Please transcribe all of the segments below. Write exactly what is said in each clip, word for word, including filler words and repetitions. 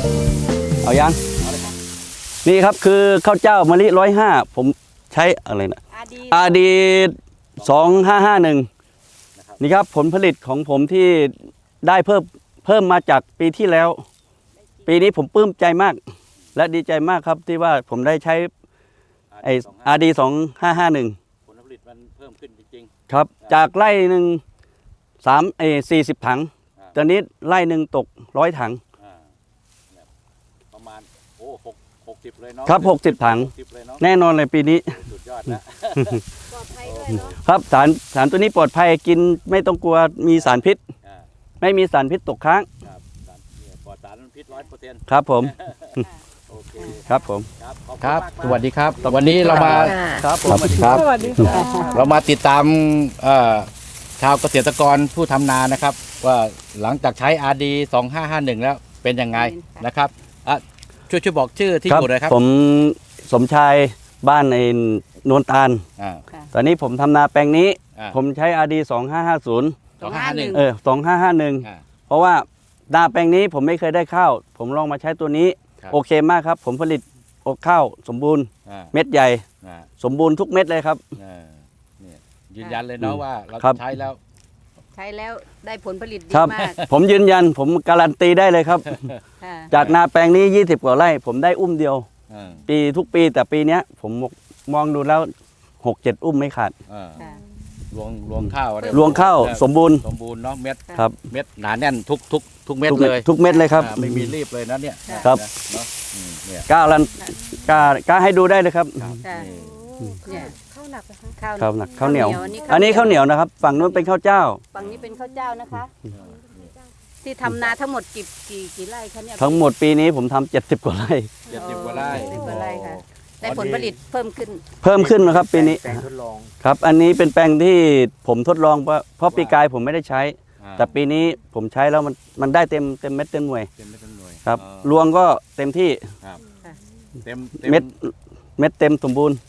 เอายังนี่ครับคือข้าวเจ้ามะลิร้อยห้าผมใช้อะไรนะอาดีสองห้าห้าหนึ่งนี่ครับผลผลิตของผมที่ได้เพิ่มเพิ่มมาจากปีที่แล้วปีนี้ผมปลื้มใจมากและดีใจมากครับที่ว่าผมได้ใช้ไออาดีสองห้าห้าหนึ่งผลผลิตมันเพิ่มขึ้นจริงๆครับจากไร่หนึ่งสามเอสี่สิบถังตอนนี้ไร่หนึ่งตกร้อยถังประมาณโอ้หกหกสิบเลยเนาะครับหกสิบถังแน่นอนเลยปีนี้สุดยอดนะปลอดภัยด้วยเนาะครับสารสารตัวนี้ปลอดภัยกินไม่ต้องกลัวมีสารพิษไม่มีสารพิษตกค้างครับปลอดสารพิษร้อยเปอร์เซ็นต์ครับผมโอเคครับผมครับสวัสดีครับวันนี้เรามาครับผมครับสวัสดีค่ะเรามาติดตามชาวเกษตรกรผู้ทำนานะครับว่าหลังจากใช้ อาร์ ดี สองห้าห้าหนึ่งแล้วเป็นยังไงนะครับช่วยช่วยบอกชื่อที่อยู่เลยครับผมสมชายบ้านในนวลตาลตอนนี้ผมทำนาแปลงนี้ผมใช้ อาร์ ดี สองห้าห้าศูนย์สองห้าห้าหนึ่งเออสองห้าห้าหนึ่งเพราะว่านาแปลงนี้ผมไม่เคยได้ข้าวผมลองมาใช้ตัวนี้โอเคมากครับผมผลิตข้าวสมบูรณ์เม็ดใหญ่สมบูรณ์ทุกเม็ดเลยครับยืนยันเลยเนาะว่าเราใช้แล้วใช้แล้วได้ผลผลิตดีมากผมยืนยันผมการันตีได้เลยครับจากนาแปลงนี้ยี่สิบกว่าไร่ผมได้อุ้มเดียวปีทุกปีแต่ปีนี้ผมมองดูแล้วหกเจ็ดอุ้มไม่ขาดรวงรวงข้าวรวงข้าวสมบูรณ์สมบูรณ์เนาะเม็ดครับเม็ดหนาแน่นทุกทุกทุกเม็ดเลยทุกเม็ดเลยครับไม่มีรีบเลยนะเนี่ยครับกล้ารันกล้ากล้าให้ดูได้เลยครับข้าวหนักนะคะข้าวหนักข้าวเหนียวอันนี้ข้าวเหนียวนะครับฝั่งนู้นเป็นข้าวเจ้าฝั่งนี้เป็นข้าวเจ้านะคะที่ทำนาทั้งหมดกี่กี่กี่ไร่คะเนี่ยทั้งหมดปีนี้ผมทำเจ็ดสิบกว่าไร่เจ็ดสิบกว่าไร่เจ็ดสิบกว่าไร่ค่ะได้ผลผลิตเพิ่มขึ้นเพิ่มขึ้นนะครับปีนี้ครับอันนี้เป็นแปลงที่ผมทดลองเพราะเพราะปีกายผมไม่ได้ใช้แต่ปีนี้ผมใช้แล้วมันมันได้เต็มเต็มเม็ดเต็มหน่วยครับรวงก็เต็มที่เม็ดเม็ดเต็มสมบูรณ์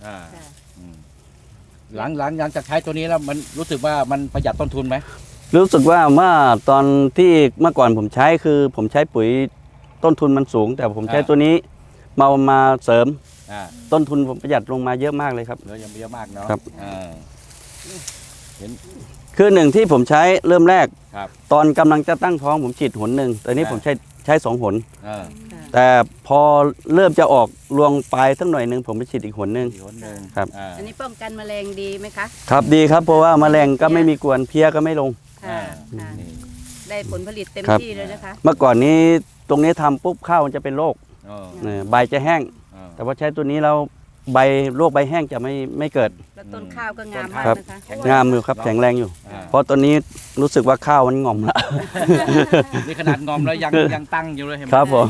หลังหลังหลังจากใช้ตัวนี้แล้วมันรู้สึกว่ามันประหยัดต้นทุนไหมรู้สึกว่าเมื่อตอนที่เมื่อก่อนผมใช้คือผมใช้ปุ๋ยต้นทุนมันสูงแต่ผมใช้ตัวนี้มามาเสริมต้นทุนผมประหยัดลงมาเยอะมากเลยครับเยอะยังเยอะมากเนาะครับเห็นคือหนึ่งที่ผมใช้เริ่มแรกตอนกำลังจะตั้งท้องผมฉีดหนหนึ่งตอนนี้ผมใช้ใช้สองหนแต่พอเริ่มจะออกรวงปลายสักหน่อยหนึ่งผมไปฉีดอีกหนหนึ่งครับอันนี้ป้องกันแมลงดีไหมคะครับดีครับเพราะว่าแมลงก็ไม่มีกวนเพี้ยก็ไม่ลงได้ผลผลิตเต็มที่เลยนะคะเมื่อก่อนนี้ตรงนี้ทำปุ๊บข้าวมันจะเป็นโรคใบจะแห้งแต่ว่าใช้ตัวนี้เราใบโรคใบแห้งจะไม่ไม่เกิดแล้วต้นข้าวก็งามมากนะคะงามอยู่ครับแข็งแรงอยู่เพราะตอนนี้รู้สึกว่าข้าวมันงอมละนี่ขนาดงอมแล้วยังยังตั้งอยู่เลยเห็นไหมครับผม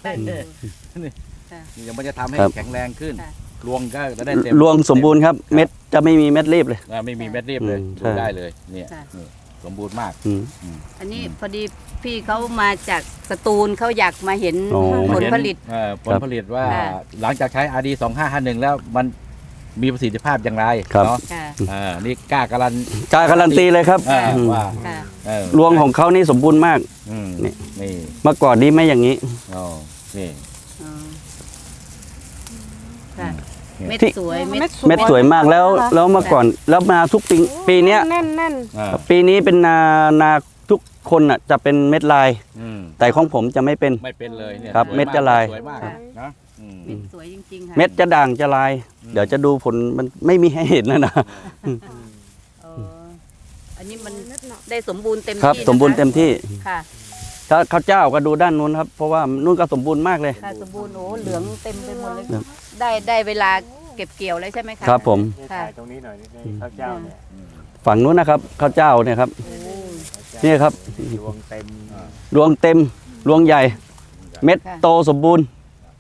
นี่ยังไม่จะทำให้แข็งแรงขึ้นรวงก็จะได้เต็มรวงสมบูรณ์ครับเม็ดจะไม่มีเม็ดรีบเลยไม่มีเม็ดรีบเลยดูได้เลยเนี่ยสมบูรณ์มากอันนี้พอดีพี่เขามาจากสตูลเขาอยากมาเห็นผลผลิตผลผลิตว่าหลังจากใช้ อาร์ ดี สองห้าห้าหนึ่งแล้วมันมีประสิทธิภาพอย่างไรเนาะนี่กล้าการันกล้าการันตีเลยครับว่ารวงของเขานี่สมบูรณ์มากนี่เมื่อก่อนนี้ไม่อย่างนี้นี่เม็ดสวยเม็ดสวยมากแล้วแล้วเมื่อก่อนแล้วมาทุกปีปีนี้ปีนี้เป็นนานาทุกคนอ่ะจะเป็นเม็ดลายแต่ของผมจะไม่เป็นไม่เป็นเลยเนี่ยครับเม็ดจะลายสวยมากนะเม็ดสวยจริงๆค่ะเม็ดจะด่างจะลายเดี๋ยวจะดูผลมันไม่มีให้เห็นนะนะอันนี้มันได้สมบูรณ์เต็มที่ครับสมบูรณ์เต็มที่ค่ะถ้าข้าวเจ้าก็ดูด้านนู้นครับเพราะว่านู้นก็สมบูรณ์มากเลยค่ะสมบูรณ์โอ้เหลืองเต็มไปหมดเลยได้ได้เวลาเก็บเกี่ยวเลยใช่ไหมคะครับผมถ่ายตรงนี้หน่อยข้าวเจ้าเนี่ยฝั่งนู้นนะครับข้าวเจ้าเนี่ยครับนี่ครับรวงเต็มรวงเต็มรวงใหญ่เม็ดโตสมบูรณ์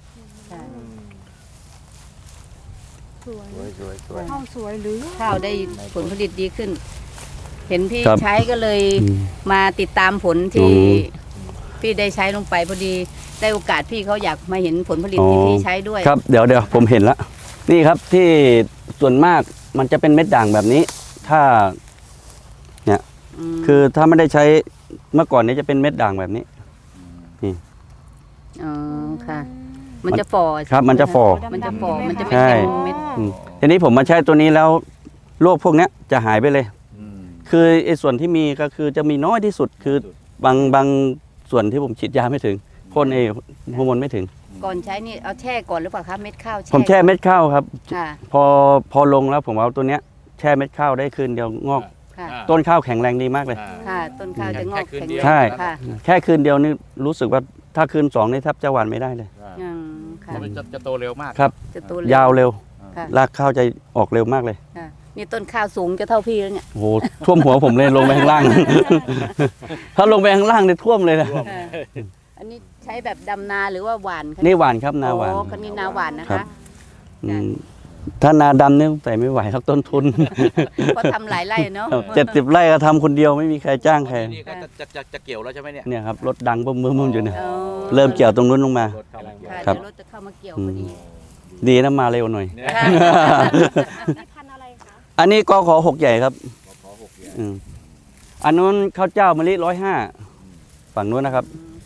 ข้าวสวยหรือข้าวได้ผลผลิตดีขึ้นเห็นพี่ใช้ก็เลยมาติดตามผลที่พี่ได้ใช้ลงไปพอดีได้โอกาสพี่เขาอยากมาเห็นผลผลิตที่พี่ใช้ด้วยครับเดี๋ยวเดี๋ยวผมเห็นแล้วนี่ครับที่ส่วนมากมันจะเป็นเม็ดด่างแบบนี้ถ้าเนี่ยคือถ้าไม่ได้ใช้เมื่อก่อนนี้จะเป็นเม็ดด่างแบบนี้นี่อ๋อค่ะ มันจะฝ่อครับมันจะฝ่อมันจะฝ่อมันจะไม่ใช่เต็มเม็ดอืมทีนี้ผมมาใช้ตัวนี้แล้วโรคพวกเนี้ยจะหายไปเลยอืมคือไอ้ส่วนที่มีก็คือจะมีน้อยที่สุดคือบางบางส่วนที่ผมฉีดยาไม่ถึงพ่นไอ้ฮอร์โมนไม่ถึงก่อนใช้นี่เอาแช่ก่อนหรือเปล่าคะเม็ดข้าวผมแช่เม็ดข้าวครับค่ะพอพอลงแล้วผมเอาตัวเนี้ยแช่เม็ดข้าวได้คืนเดียวงอกค่ะอ่าต้นข้าวแข็งแรงดีมากเลยอ่าค่ะต้นข้าวจะงอกแค่คืนแข็งเดียวแรงใช่ค่ะแค่คืนเดียวนี่รู้สึกว่าถ้าคืนสองนี่แทบจะหวานไม่ได้เลยอืมค่ะมันจะจะโตเร็วมากครับจะโตยาวเร็วค่ะรากข้าวจะออกเร็วมากเลยค่ะนี่ต้นข้าวสูงจะเท่าพี่แล้วเนี่ยโอ้โหท่วมหัวผมเลยลงไปข้างล่าง ถ้าลงไปข้างล่างเนี่ยท่วมเลยนะค่ะอันนี้ใช้แบบดำนาหรือว่าหวานคะนี่หวานครับนาหวานโอ้คันนี้นาหวานนะครัคะบ อืมถ้านาดำเนี่ยใส่ไม่ไหวครับต้นทุนเพราะทำหลายไร่เนาะเจ็ดสิบไร่ก็ทำคนเดียวไม่มีใครจ้างใครนี่ก็จะจะจะจะเกี่ยวแล้วใช่ไหมเนี่ยเนี่ยครับรถดังบึ้มบึ้มบึ้มอยู่เนี่ยอ๋อเริ่มเกี่ยวตรงนู้นลงมารถเข้ามาเกี่ยวค่ะครับเดี๋ยวรถจะเข้ามาเกี่ยวพอดีดีนะมาเร็วหน่อยเนี่ยค่ะพันธุ์อะไรคะอันนี้กขอหกใหญ่ครับขอหกเดือนอืมอันนู้นข้าวเจ้ามะลิร้อยห้าฝั่งนู้นนะครับ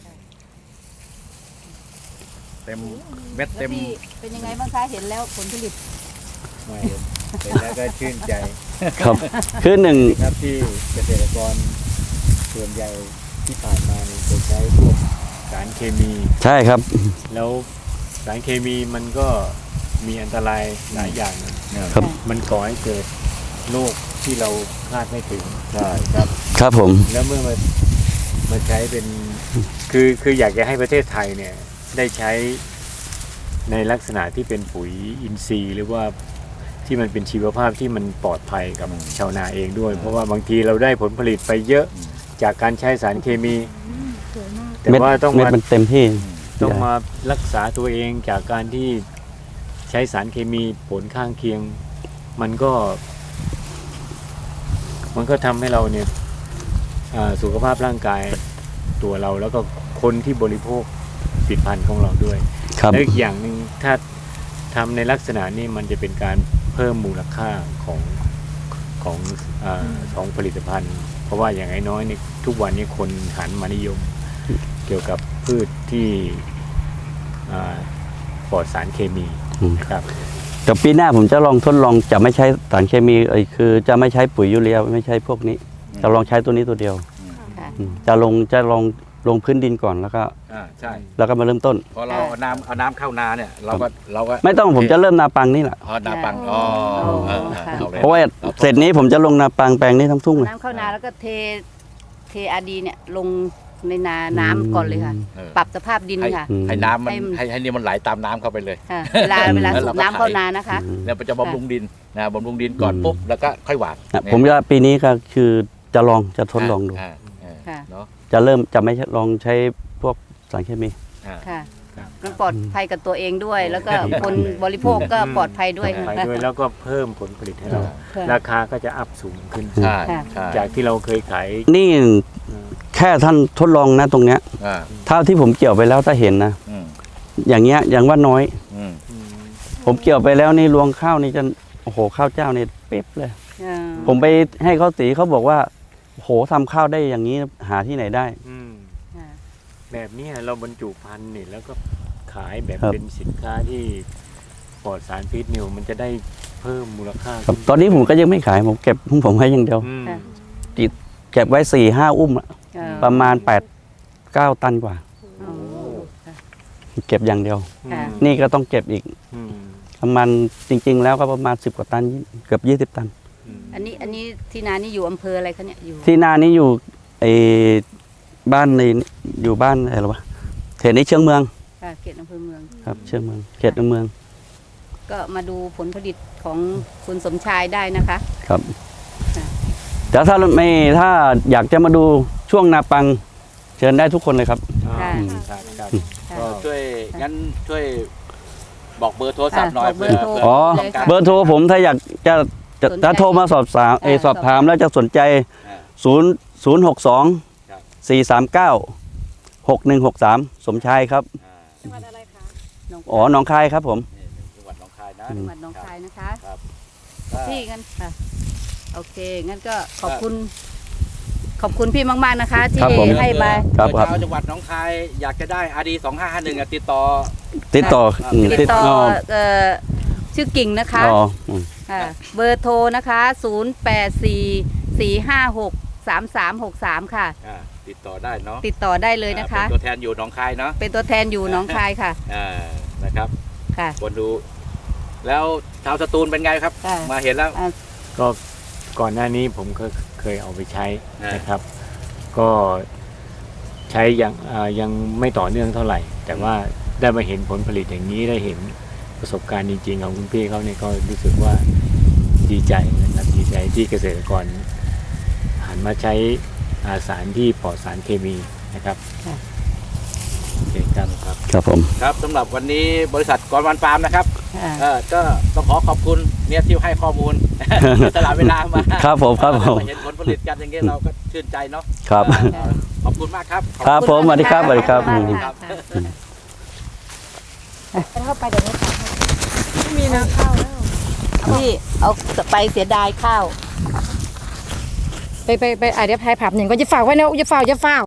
เต็มเม็ดแล้วเต็มพี่เป็นยังไงบ้างคะเห็นแล้วผลผลิตไม่เห็นแล้วก็ชื่นใจครับคือหนึ่งครับที่เกษตรกรส่วนใหญ่ที่ผ่านมาเนี่ยจะใช้พวกสารเคมีใช่ครับแล้วสารเคมีมันก็มีอันตรายหลายอย่างนะครับมันก่อให้เกิดโรคที่เราคาดไม่ถึงใช่ครับครับผมแล้วเมื่อมามาใช้เป็นคือคืออยากจะให้ประเทศไทยเนี่ยได้ใช้ในลักษณะที่เป็นปุ๋ยอินทรีย์ หรือว่าที่มันเป็นชีวภาพที่มันปลอดภัยกับชาวนาเองด้วย เพราะว่าบางทีเราได้ผลผลิตไปเยอะจากการใช้สารเคมี แต่เม็ดว่าต้องเม็ดมามันเต็มที่ต้องมารักษาตัวเองจากการที่ใช้สารเคมีผลข้างเคียง มันก็ มันก็ทำให้เราเนี่ยอ่าสุขภาพร่างกายตัวเราแล้วก็คนที่บริโภคผลิตภัณฑ์ของเราด้วยครับและอีกอย่างหนึ่งถ้าทำในลักษณะนี้มันจะเป็นการเพิ่มมูลค่าของของอาของผลิตภัณฑ์ เพราะว่าอย่างน้อยๆเนี่ยทุกวันนี้คนหันมานิยม เกี่ยวกับพืชที่อ่าปลอดสารเคมีอืมนะครับแต่ปีหน้าผมจะลองทดลองจะไม่ใช้สารเคมีเอ้ยคือจะไม่ใช้ปุ๋ยยูเรียไม่ใช้พวกนี้ จะลองใช้ตัวนี้ตัวเดียวค่ะอืมจะลงจะลองลงพื้นดินก่อนแล้วก็อ่าใช่แล้วก็มาเริ่มต้นพอเราเอาน้ำเอาน้ำเข้านาเนี่ยเราก็เราก็ไม่ต้องผมจะเริ่มนาปังนี่แหละอ๋อนาปังอ๋อเออเออเอาเลยเพราะว่าเสร็จนี้ผมจะลงนาปังแปลงนี้ทั้งทุ่งเลยน้ำเข้านาแล้วก็เทเทอาดีเนี่ยลงในนาน้ำก่อนเลยค่ะเออปรับสภาพดินให้ค่ะอืมให้น้ำมันให้มันให้ให้นี่มันไหลตามน้ำเข้าไปเลยค่ะเวลาเวลาแล้วสูเราบก็น้ำเข้าไถนานะคะอืมแล้วมันจะบำรุงดินนะบำรุงดินก่อนอืมปุ๊บแล้วก็ค่อยหวานนะผมจะปีนี้ก็คือจะลองจะทดลองดูาอ่าค่ะเนาะจะเริ่มจะไม่ลองใช้พวกสารเคมีอ่าค่ะมันปลอดภัยกับตัวเองด้วย แล้วก็ครับคนบริโภคก็ปลอดภัยด้วยไปค่ะด้วยแล้วก็เพิ่มผลผลิตให้เราค่ะราคาก็จะอัพสูงขึ้นใช่ค่ะใช่จากที่เราเคยขายนี่อืมแค่ท่านทดลองนะตรงเนี้ยอ่าเท่าที่ผมเกี่ยวไปแล้วถ้าเห็นนะอืมอย่างเงี้ยอย่างว่าน้อยอืมอืมผมเกี่ยวไปแล้วนี่รวงข้าวนี่จะโอ้โหข้าวเจ้านี่เป๊ะเลยอ่าผมไปให้เขาสีเขาบอกว่าโอ้โหทำข้าวได้อย่างนี้หาที่ไหนได้อืมค่ะแบบเนี้ยเราบรรจุภัณฑ์นี่แล้วก็ขายแบบครับเป็นสินค้าที่ปลอดสารพิษนิวมันจะได้เพิ่มมูลค่าครับขึ้ตอนนี้ผมก็ยังไม่ขายผมเก็บของผมไว้อย่างเดียวอืมเก็บไว้สี่ห้าอุ้มอะอ่าประมาณแปดเก้าตันกว่าอ๋อค่ะเก็บอย่างเดียวค่ะนี่ก็ต้องเก็บอีกอืมประมาณจริง ๆ แล้วก็ประมาณสิบกว่าตันเกือบยี่สิบตันอืมอันนี้อันนี้ที่นานี่อยู่อำเภออะไรคะเนี่ยอยู่ที่นานี้อยู่ไอ้บ้านในอยู่บ้านอะไรหรอวะเขตนี้เชียงเมืองค่ะเขตอำเภอเมืองครับเชียงเมืองเขตเมืองก็มาดูผลผลิตของคุณสมชายได้นะคะครับค่ะแต่ถ้าไม่ถ้าอยากจะมาดูช่วงนาปัง เชิญได้ทุกคนเลยครับค่ะครับครับค่ะก็ช่วยงั้นช่วยบอกเบอร์โทรศัพท์หน่อยบอกเบอร์โทรผื่อ๋อเลยค่ะเบอร์โทรผมถ้าอยากจะจะสนใจถ้าโทรมาสอบถามเออเออสอบถามแล้วจะสนใจอ่าศูนย์ศูนย์หกสองครับสี่สามเก้าหกหนึ่งหกสามสมชายครับอ่าจังหวัดอะไรคะอ๋อหนองคายครับผมนี่จังหวัดหนองคายนะจังหวัดหนองคายนะคะครับพี่งั้นค่ะโอเคงั้นก็ขอบคุณ ขขอบคุณพี่มากๆนะคะ ที่ครับผมให้มาครับเผื่อครับชาวจังหวัดหนองคายอยากจะได้ อาร์ ดี สองห้าห้าหนึ่ง ติดต่อติดต่ออืมติดต่ออ๋อเอ่อชื่อกิ่งนะคะอ๋ออืมค่ะเบอร์โทรนะคะศูนย์ แปด สี่ สี่ ห้า หก สาม สาม หก สามค่ะอ่าติดต่อได้เนาะติดต่อได้เลยนะคะเป็นตัวแทนอยู่หนองคายเนาะเป็นตัวแทนอยู่หนองคายค่ะอ่านะครับค่ะคนดู แล้วชาวสตูลเป็นไงครับค่ะมาเห็นแล้วก็ก่อนหน้านี้ผมเคยเคยเอาไปใช้อ่านนะครับ ก็ใช้ยังอ่ายังไม่ต่อเนื่องเท่าไหร่ แต่ว่าได้มาเห็นผลผลิตอย่างนี้ได้เห็นประสบการณ์จริงๆของคุณพี่เขาเนี่ยก็รู้สึกว่าดีใจนะครับดีใจที่เกษตรกรหันมาใช้อาสารที่ปลอดสารเคมีนะครับค่ะโอเคครับครับผมครับสำหรับวันนี้บริษัทกรวันฟาร์มนะครับค่ะเออก็ต้องขอขอบคุณเนี่ยที่ให้ข้อมูล ตลาดเวลามาครับผมครับผมเห็นผลผลิตกันอย่างเงี้ยเราก็ชื่นใจเนาะครับเออขอบคุณมากครับครับผมสวัสดีครับสวัสดีครับขออืณมมากค่ะเข้าไปเดี๋ยวนี้ค่ะไม่มีนาข้าวแล้วพี่เอาไปเสียดายข้าวไปไปไปอ่ะเดี๋ยวพายผับหนึ่งก็จะฝากไว้นะอย่าฝากอย่าฝาก